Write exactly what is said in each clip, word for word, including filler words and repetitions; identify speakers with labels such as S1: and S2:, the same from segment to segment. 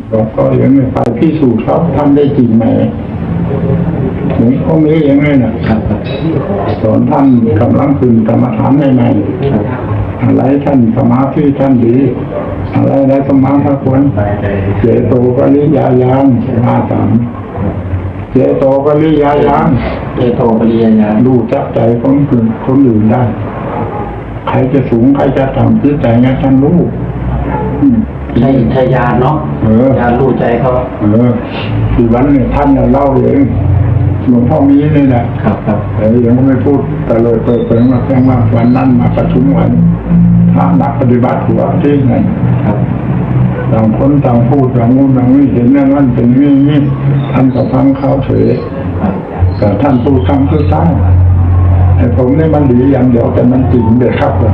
S1: หลวงพ่อยังไม่ไปพิสูจน์เขาทำได้จริงไหมหลวงพ่อมียังไงนะสอนท่านกำลังขึ้นกรรมฐานใหม่ๆอะไรท่านสมาธิท่านดีอะไรได้สมาธิควรเจโตปริยายานมาสามเจโตปริยายาน
S2: เจโตปริยญาณ
S1: รู้จักใจคนอื่นคนอื่นได้ใครจะสูงใครจะต่ำจิตใจเนี่ยท่านรู้
S2: ใช่ใช่ญาณเนาะญาณรู้ใจเขา
S1: เออที่วันเนี่ยท่านเล่าเองหลวงพ่อมีนี่แหละ
S2: ครับครับ
S1: แต่ยังไม่พูดแต่เลยเปิดเผยมาแค่ว่าวันนั้นมาประชุมวันพระนักปฏิบัติหัวที่ไหนต่างคนต่างพูดต่างงูต่างนี่เห็นอย่างนั้นเป็นนี่นี่ท่านก็ฟังเขาเฉยแต่ท่านพูดคำคือซ้ายไอ้ผมนี่มันดีอย่างเดียวแต่มันจริงเด็ดครับเลย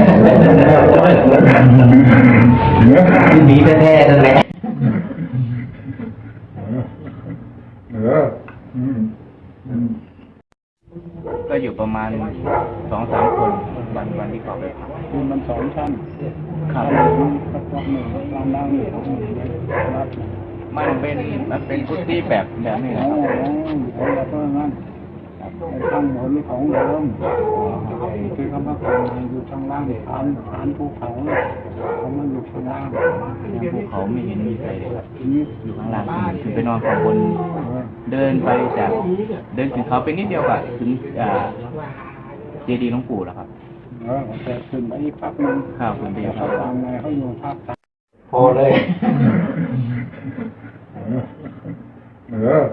S2: ดีแท้ๆนั่นแหละ
S1: เออ
S3: ก็อยู่ประมาณสองสามคนวันวันที่เขาไป
S1: คือมันสองชั้นขาดสักพักหนึ่งล่างล่างนี่
S3: มันเป็นมันเป็นพุทธิแบบแบบนี้นะครับ
S1: แล้วก็งั้นข้างบนของเดิมคือคำว่าการอยู่ทางล่างฐานฐานภูเขาเขามันอยู่ข้างล่าง
S3: ภูเขาไม่เห็นมีใครเลยครับอยู่ข้างล่างคือไปนอนข้างบนเดินไปจากเดินถึงเขาไปนิดเดียวอะถึงเจดีย์หลวงปู่แล้วครับ
S1: เออแต่ขึ้นไปอีกพักนึง
S3: ข้าวขึ้นไปอีกพัก
S1: ทางไงเขาอยู่ภาค
S2: พอเลย
S1: เออ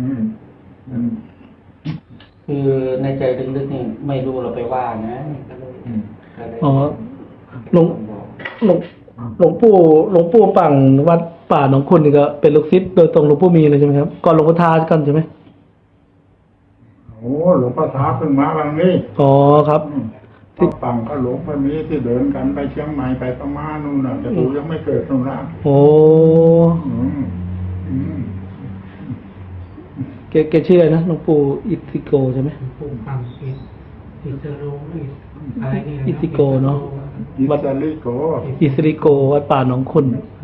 S2: คือในใจลึกๆนี่ไม่รู้เราไปว่านะ
S4: อ๋อหลวงหลวงหลวงปู่หลวงปู่ปังวัดป่าหนองคุณนี่ก็เป็นลูกศิษย์โดยตรงหลวงปู่มีเลยใช่ไหมครับก่อนหลวงพ่อทากันใช่ไหม
S1: โอ้หลวงพ่อทาเพิ่งมาบางนี้
S4: อ๋อครับ
S1: ที่ปังก็หลวงพ่อมีที่เดินกันไปเชียงใหม่ไปประมาณนู่นน่ะแต่ดูยังไม่เกิดตรงนั้น
S4: โอ้เกเกชื่ออะไรนะหลวงปู่อิติโกใช่ไหม
S5: ปู่ปังอิอิสโรอะไรนี่
S4: อิติโกเนาะ
S1: วัดลิโก
S4: อิสริโกวัดป่าหนองคุณ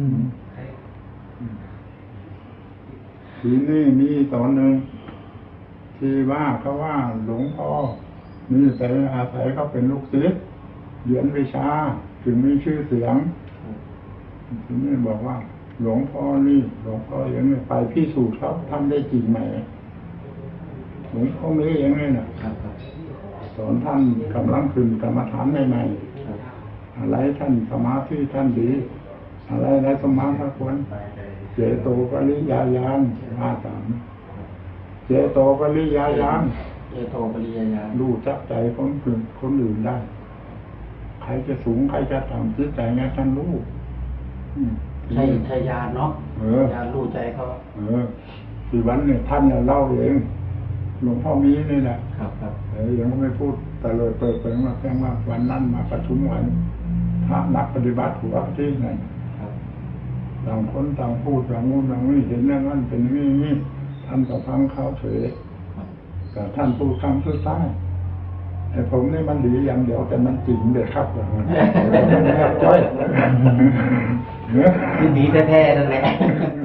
S1: ทีนี้มีตอนหนึ่งที่ว่าเขาว่าหลวงพ่อนี่แต่อาศัยเขาเป็นลูกศิษย์เรียนวิชาถึงมีชื่อเสียงทีนี้บอกว่าหลวงพ่อนี่หลวงพ่อยังไม่ไปพิสูจน์เขาทำได้จริงไหมหลวงพ่อมียังไงนะสอนท่านกำลังขึ้นกรรมฐานใหม่ๆอะไรท่านสมาธิท่านดีอะไรได้สมาธิควรเจโตปริยายานมาสามเจโตปริยายาน
S2: เจโตปริยญาณ
S1: รู้จักใจคนอื่นคนอื่นได้ใครจะสูงใครจะต่ำจิตใจเนี่ยท่านรู้
S2: ใช่ใช่ญาณเนาะญาณรู้ใจเขา
S1: เออที่วันเนี่ยท่านเล่าเองหลวงพ่อมีนี่แหละ
S2: ครับครับ
S1: แต่ยังไม่พูดแต่เลยเปิดเผยมาแค่ว่าวันนั้นมาประชุมวันพระนักปฏิบัติหัวที่ไหนต่างคนต่างพูดต่างงูต่างนี่เห็นอย่างนั้นเป็นนี่นี่ท่านก็ฟังเขาเฉยแต่ท่านพูดคำคือซ้ายไอ้ผมนี่มันดีอย่างเดียวแต่มันจริงเด็ดครับเลย
S2: ดีแท้ๆนั่นแหละ